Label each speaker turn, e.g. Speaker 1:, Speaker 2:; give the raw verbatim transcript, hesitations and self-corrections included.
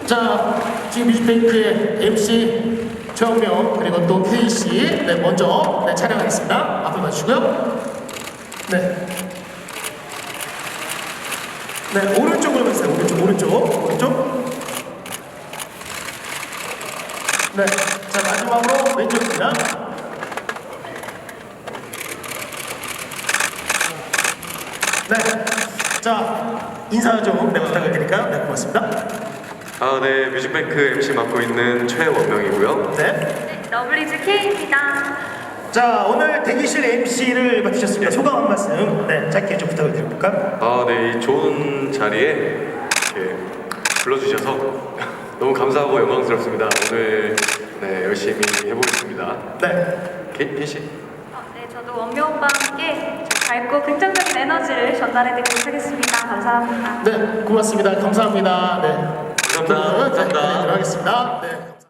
Speaker 1: 자, 지금 뮤직뱅크의 엠씨 최원명 그리고 또 케이씨 네, 먼저 네, 촬영하겠습니다. 앞으로 봐주시고요. 네. 네, 오른쪽으로 가세요. 오른쪽, 오른쪽, 오른쪽. 네, 자 마지막으로 왼쪽입니다. 네, 자 인사 좀 네, 부탁을 드릴까요? 네, 고맙습니다.
Speaker 2: 아, 네, 뮤직뱅크 엠씨 맡고 있는 최원명이고요.
Speaker 1: 네.
Speaker 3: 네, 러블리즈 K입니다.
Speaker 1: 자, 오늘 대기실 엠씨를 맡으셨습니다. 소감 한 말씀 네, 짧게 좀 부탁을 드려볼까요?
Speaker 2: 아, 네, 이 좋은 자리에 이렇게 불러주셔서 너무 감사하고 영광스럽습니다. 오늘 네, 열심히 해보겠습니다.
Speaker 1: 네.
Speaker 2: 케이 씨?
Speaker 3: 어, 네, 저도 원명 오빠와 함께 밝고 긍정적인 에너지를 전달해드리도록 하겠습니다. 감사합니다.
Speaker 1: 네, 고맙습니다. 감사합니다. 네.
Speaker 2: 감사합니다. 감사합니다.
Speaker 1: 네, 네, 들어가겠습니다. 네.